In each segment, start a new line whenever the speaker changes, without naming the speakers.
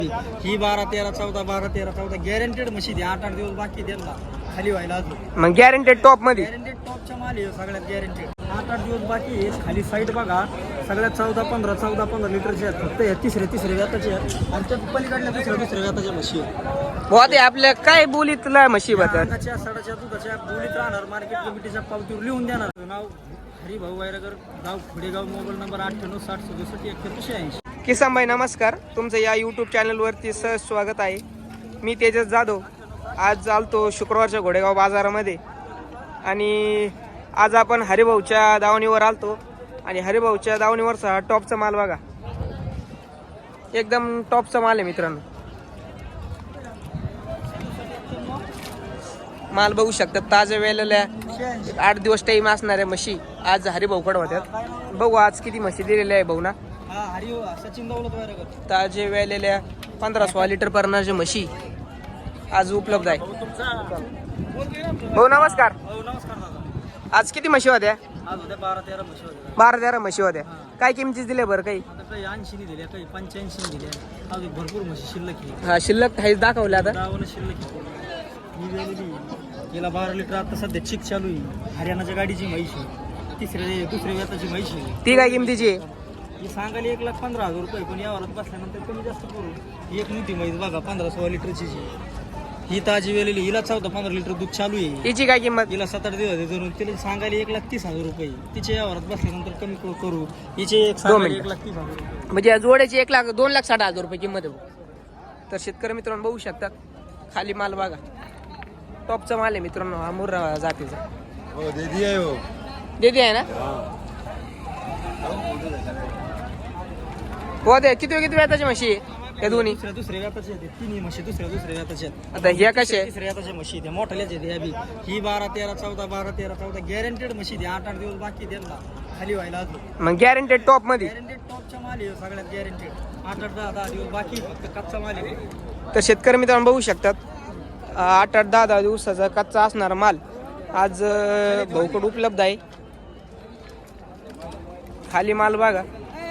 ही 12 13 14 12 13 14 guaranteed म्हशी द्या. 8-8 दिवस बाकी त्यांना खाली व्हायला अजून.
मग गॅरंटेड टॉप मध्ये
गॅरंटेड टॉपच्या माल आहे सगळ्यात गॅरंटेड. 8-8 दिवस बाकी आहे. खाली साईड बघा सगळ्यात 14-15 लिटरचे आहेत. फक्त या तिसऱ्या व्याताचे आहेत आणि त्या पलीकडल्या दुसऱ्या व्याताच्या म्हशी आहेत.
बहुत आपल्या काय बोलीतला म्हशी बद्दल
सडाच्या दुधाच्या बोलीत राहणार. मार्केट कमिटीच्या पावतीवर लिहून देणार. नाव हरिभाऊ वायरगर, गाव खोडेगाव, मोबाईल नंबर 9860676180.
किसन भाई नमस्कार, तुमचं या यूट्यूब चॅनलवरती सहज स्वागत आहे. मी तेजस जाधव. आज आलतो शुक्रवारच्या घोडेगाव बाजारामध्ये आणि आज आपण हरिभाऊच्या दावणीवर आलतो आणि हरिभाऊच्या दावणीवरचा टॉपचा माल बघा, एकदम टॉपचा माल आहे मित्रांनो. माल बघू शकतात, ताज्या वेलेल्या 8 दिवस टाईम असणाऱ्या म्हशी आज हरिभाऊकडे होत्यात. बघू आज किती म्हशी दिलेल्या आहे भाऊ ना. ताजे वेलेल्या 15-16 लिटर पर्यंतच्या म्हशी आज उपलब्ध आहे. भाऊ नमस्कार. आज किती म्हशी होत्या? 12-13 म्हशी होत्या. काय किमतीच दिल्या बरं? काही
80 दिल्या, काही 85 दिल्या. अजून भरपूर म्हशी शिल्लक आहे.
हा शिल्लक काहीच दाखवलं आता.
शिल्लक गेला 12 लिटर. आता सध्या चिक चालू आहे. हरियाणाच्या गाडीची म्हैस आहे. दुसऱ्या व्याताची म्हैस आहे.
ती काय किमतीची आहे?
ही सांगायला 1,15,000 रुपये, पण यावरात बसल्यानंतर कमी जास्त करू. एक मोठी म्हैस बघा 15-16 लिटरची. ही ताजी वेलेली. हिला 14-15 लिटर दूध चालू आहे.
तिची काय किंमत?
हिला 7-8 दिवस धरून तिला सांगायला 1,30,000 रुपये. तिच्या यावरात बसल्यानंतर कमी करू. हिचे 1,30,000 रुपये.
म्हणजे जोड्याची 2,60,000 रुपये किंमत आहे. तर शेतकरी मित्रांनो बघू शकतात, खाली माल बघा, टॉपचा माल आहे मित्रांनो. हा मुर्रा जातीचा देदी आहे ना. हो दे. किती व्याताची म्हशी आहे या दोन्ही?
दुसऱ्या व्याताचे आहेत. तिन्ही म्हशी दुसऱ्या व्याताचे आहेत.
आता ह्या कशा
तिसऱ्या व्याताच्या म्हशी आहेत. मोठ्याल्याच आहेत ह्या बी. ही 12-13 14 गॅरंटेड म्हशी द्या. 8-8 दिवस बाकी त्यांना खाली व्हायला अजून.
मग गॅरंटेड टॉप मध्ये?
गॅरंटेड टॉपच्या माल आहे सगळ्यात गॅरंटेड. 8-10 दिवस बाकी फक्त कच्चा माल आहे.
तर शेतकरी मित्रांनो बघू शकतात, 8-10 दिवसाचा कच्चा असणारा माल आज भाऊकडे उपलब्ध आहे. खाली माल बघा.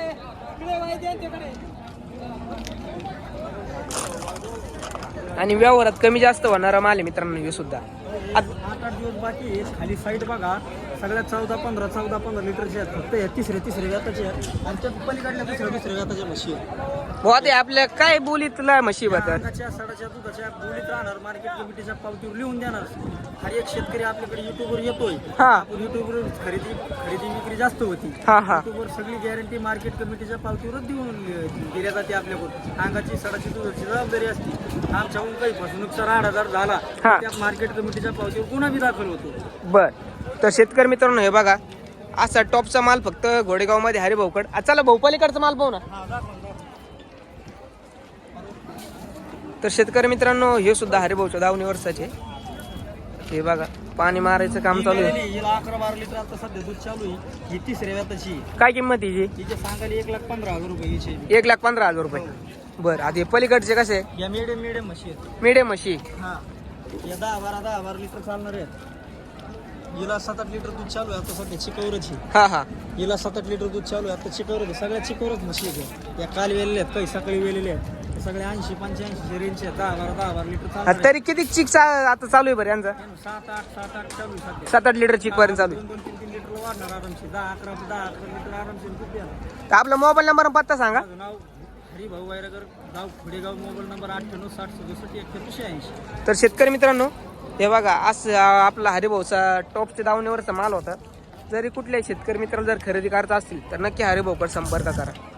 आणि व्यवहारात कमी जास्त होणारा माल आहे मित्रांनो हे सुद्धा.
8-8 दिवस बाकी आहे. खाली साईड बघा सगळ्यात 14-15 लिटरचे आहेत. फक्त या तिसऱ्या व्याताचे आहेत आणि त्या पलीकडल्या दुसऱ्या व्याताच्या म्हशी आहेत.
बहुत आपल्या काय बोलीतला म्हशी बद्दल
सडाच्या दुधाच्या बोलीत राहणार. मार्केट कमिटीच्या पावतीवर लिहून देणार. हर एक शेतकरी आपल्याकडे युट्यूबवर येतोय. आपण युट्यूबवर खरेदी विक्री जास्त होती. युट्यूबवर सगळी गॅरंटी मार्केट कमिटीच्या पावतीवरच दिल्या जाते. आपल्याकडून अंगाची सडाची दुधाची जबाबदारी असते. आमच्याकडून काही फसवणूकचा राडा जर झाला त्या मार्केट कमिटीच्या पावतीवर गुन्हा बी दाखल होतो.
बर. तर शेतकरी मित्रांनो हे बघा, असा टॉपचा माल फक्त घोडेगाव मध्ये हरिभाऊकड. चला भाऊ पलीकडचा माल पाहू ना. तर शेतकरी मित्रांनो हे सुद्धा हरिभाऊच्या दावणीवरचे. हे बघा पाणी मारायचं काम चालू आहे.
हिला 11-12 लिटर आता सध्या दूध चालू आहे. ही तिसऱ्या व्याताची.
काय किंमत हिची?
तिचे सांगायला 1,15,000 रुपये. हिचे
1,15,000 रुपये. बरं. आता हे पलीकडचे कसे?
या मीडियम म्हशी आहेत.
मीडियम म्हशी.
हा या 10-12 लिटर चालणार आहेत. हिला 7-8 लिटर दूध चालू आहे आता सध्या चिकवरची.
हा
हिला 7-8 लिटर दूध चालू आहे आता चिकवरच. सगळ्या चिकवरच म्हशी आहेत. या काल वेलेल्या आहेत, काही सकाळी वेलेल्या आहेत. सगळे 80-85 रेंजचे आहेत. 10-12 लिटर चालू.
तरी किती चिक आता चालू आहे बरं यांचा?
7-8 चालू आहे.
7-8 लिटर चिक पर्यंत चालू आहे.
2-3 लिटर वाढणार आरामशी. 10-11 लिटर आरामशी दूध द्या.
तर आपला मोबाईल नंबर पत्ता सांगा.
नाव हरिभाऊ वायरगर, गाव खोडेगाव, मोबाईल नंबर 9860676180.
तर शेतकरी मित्रांनो हे बघा, असं आपला हरिभाऊचा टॉपच्या दावणीवरचा माल होता. जरी कुठल्याही शेतकरी मित्राला जर खरेदी करायचा असतील तर नक्की हरिभाऊकडे संपर्क करा.